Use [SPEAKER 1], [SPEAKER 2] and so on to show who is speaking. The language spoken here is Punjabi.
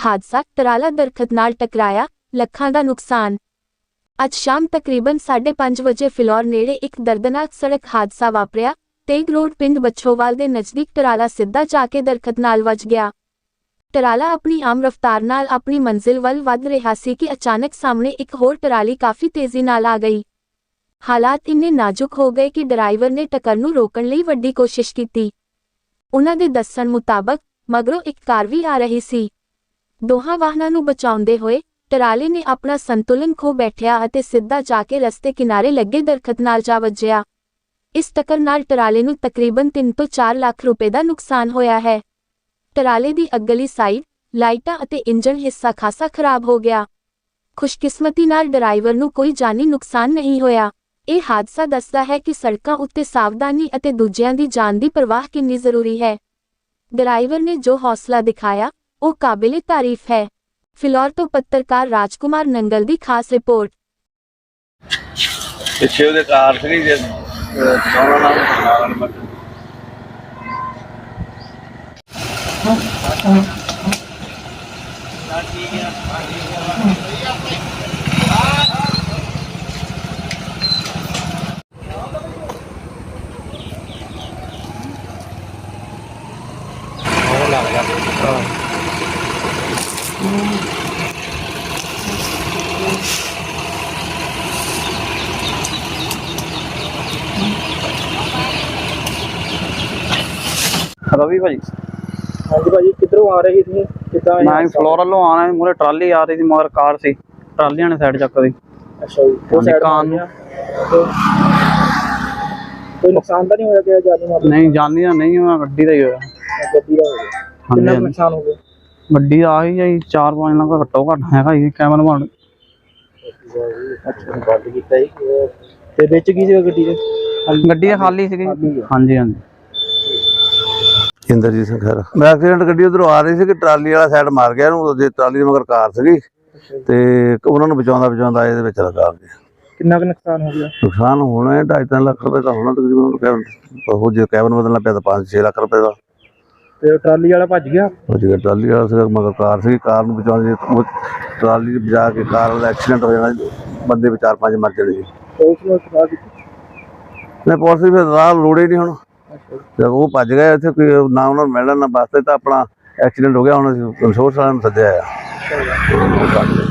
[SPEAKER 1] हादसा, टराला दरखत नाल टकराया, ਲੱਖਾਂ ਦਾ नुकसान। ਅੱਜ ਸ਼ਾਮ ਤਕਰੀਬਨ 5:30 ਵਜੇ ਫਿਲੌਰ ਨੇੜੇ ਇੱਕ ਦਰਦਨਾਕ ਸੜਕ ਹਾਦਸਾ ਵਾਪਰਿਆ। ਤੇਗ ਰੋਡ ਪਿੰਡ ਬੱਛੋਵਾਲ ਦੇ ਨਜ਼ਦੀਕ ਟਰਾਲਾ ਸਿੱਧਾ ਜਾ ਕੇ ਦਰਖਤ ਨਾਲ ਵੱਜ ਗਿਆ। ਟਰਾਲਾ ਆਪਣੀ ਆਮ ਰਫ਼ਤਾਰ ਨਾਲ ਆਪਣੀ ਮੰਜ਼ਿਲ ਵੱਲ ਵਧ ਰਿਹਾ ਸੀ ਕਿ ਅਚਾਨਕ ਸਾਹਮਣੇ ਇੱਕ ਹੋਰ ਟਰਾਲੀ ਕਾਫੀ ਤੇਜ਼ੀ ਨਾਲ ਆ ਗਈ। ਹਾਲਾਤ ਇੰਨੇ ਨਾਜ਼ੁਕ ਹੋ ਗਏ ਕਿ ਡਰਾਈਵਰ ਨੇ ਟੱਕਰ ਨੂੰ ਰੋਕਣ ਲਈ ਵੱਡੀ ਕੋਸ਼ਿਸ਼ ਕੀਤੀ। ਉਹਨਾਂ ਦੇ ਦੱਸਣ ਮੁਤਾਬਕ ਮਗਰੋਂ ਇੱਕ ਕਾਰ ਵੀ ਆ ਰਹੀ ਸੀ। ਦੋਹਾਂ ਵਾਹਨਾਂ ਨੂੰ ਬਚਾਉਂਦੇ ਹੋਏ ਟਰਾਲੇ ਨੇ ਆਪਣਾ ਸੰਤੁਲਨ ਖੋ ਬੈਠਿਆ ਅਤੇ ਸਿੱਧਾ ਜਾ ਕੇ ਰਸਤੇ ਕਿਨਾਰੇ ਲੱਗੇ ਦਰਖਤ ਨਾਲ ਜਾ ਵੱਜਿਆ। ਇਸ ਟੱਕਰ ਨਾਲ ਟਰਾਲੇ ਨੂੰ ਤਕਰੀਬਨ 3 ਤੋਂ 4 ਲੱਖ ਰੁਪਏ ਦਾ ਨੁਕਸਾਨ ਹੋਇਆ ਹੈ। ਟਰਾਲੇ ਦੀ ਅੱਗਲੀ ਸਾਈਡ, ਲਾਈਟਾਂ ਅਤੇ ਇੰਜਣ ਹਿੱਸਾ ਖਾਸਾ ਖਰਾਬ ਹੋ ਗਿਆ। ਖੁਸ਼ਕਿਸਮਤੀ ਨਾਲ ਡਰਾਈਵਰ ਨੂੰ ਕੋਈ ਜਾਨੀ ਨੁਕਸਾਨ ਨਹੀਂ ਹੋਇਆ। ਇਹ ਹਾਦਸਾ ਦੱਸਦਾ ਹੈ ਕਿ ਸੜਕਾਂ ਉੱਤੇ ਸਾਵਧਾਨੀ ਅਤੇ ਦੂਜਿਆਂ ਦੀ ਜਾਨ ਦੀ ਪਰਵਾਹ ਕਿੰਨੀ ਜ਼ਰੂਰੀ ਹੈ। ਡਰਾਈਵਰ ਨੇ ਜੋ ਹੌਸਲਾ ਦਿਖਾਇਆ, ਉਹ ਕਾਬਿਲੇ ਤਾਰੀਫ ਹੈ। ਫਿਲੌਰ ਤੋਂ ਪੱਤਰਕਾਰ ਰਾਜਕੁਮਾਰ ਨੰਗਲ ਦੀ ਖਾਸ ਰਿਪੋਰਟ।
[SPEAKER 2] ਪਿੱਛੇ ਉਹਦੇ ਕਾਰ ਸੀ ਜੇ ਦੋਨਾਂ ਨਾਲ
[SPEAKER 3] रवि भाजी।
[SPEAKER 4] हाँ जी भाजी, किधरों आ रही थी?
[SPEAKER 3] मैं फ्लोर वालों आना मुझे ट्राली आ रही थी मगर कार सी ट्रालियां ने साइड चक दी।
[SPEAKER 4] अच्छा जी, वो साइड
[SPEAKER 3] कान
[SPEAKER 4] तो कोई नुकसान तो नहीं होया क्या? जानी माल
[SPEAKER 3] नहीं जानी नहीं हुआ, गड्डी का ही होया।
[SPEAKER 4] गड्डी का हो गया। कितना नुकसान हो गया?
[SPEAKER 3] गड्डी आ ही जाई 4-5 लाख घट्टो घट हैगा ही कैमल बन।
[SPEAKER 4] अच्छा बंद कीता ही ते विच की सी गड्डी दे?
[SPEAKER 3] गड्डी खाली सी। हां जी हां जी।
[SPEAKER 2] ਇੰਦਰਜੀਤ ਸਿੰਘ ਖਹਿਰਾ। ਮੈਂ ਐਕਸੀਡੈਂਟ ਗੱਡੀ ਉਧਰੋਂ ਆ ਰਹੀ ਸੀ ਕਿ ਟਰਾਲੀ ਵਾਲਾ ਸਾਈਡ ਮਾਰ ਗਿਆ ਇਹਨੂੰ, ਜੇ ਟਰਾਲੀ ਦੇ ਮਗਰ ਕਾਰ ਸੀਗੀ ਤੇ ਉਹਨਾਂ ਨੂੰ ਬਚਾਉਂਦਾ ਇਹਦੇ ਵਿੱਚ ਲਗਾ ਕੇ।
[SPEAKER 4] ਕਿੰਨਾ ਕੁ ਨੁਕਸਾਨ ਹੋ ਗਿਆ?
[SPEAKER 2] ਨੁਕਸਾਨ ਹੋਣਾ 2.5-3 ਲੱਖ ਰੁਪਏ ਦਾ ਹੋਣਾ ਤਕਰੀਬਨ। ਉਹ ਜੇ ਕੈਬਨ ਬਦਲਣਾ ਪਿਆ ਤਾਂ 5-6 ਲੱਖ ਰੁਪਏ ਦਾ।
[SPEAKER 4] ਤੇ ਟਰਾਲੀ ਵਾਲਾ ਭੱਜ ਗਿਆ?
[SPEAKER 2] ਉਹ ਜਿਹੜਾ ਟਰਾਲੀ ਵਾਲਾ ਸੀਗਾ ਮਗਰ ਕਾਰ ਸੀਗੀ, ਕਾਰ ਨੂੰ ਬਚਾਉਂਦੇ ਟਰਾਲੀ ਬਚਾ ਕੇ ਕਾਰ ਵਾਲਾ ਐਕਸੀਡੈਂਟ ਹੋ ਜਾਣਾ, ਬੰਦੇ ਵੀ 4-5 ਮਰ ਜਾਣੇ ਜੀ।
[SPEAKER 4] ਪੁਲਿਸ ਨੂੰ ਇਤਲਾਹ ਕੀਤੀ?
[SPEAKER 2] ਮੈਂ ਪੁਲਿਸ ਵੀ ਰਾਹ ਲੋੜੇ ਨਹੀਂ ਹੁਣ। ਜਦ ਉਹ ਭੱਜ ਗਏ ਇੱਥੇ ਕੋਈ ਨਾ ਉਹਨਾਂ ਨੂੰ ਮਿਲਣ ਨਾ ਵਾਸਤੇ ਤਾਂ ਆਪਣਾ ਐਕਸੀਡੈਂਟ ਹੋ ਗਿਆ। ਹੁਣ ਅਸੀਂ ਇੰਸ਼ੋਰੈਂਸ ਵਾਲਿਆਂ ਨੂੰ ਸੱਦਿਆ ਆ।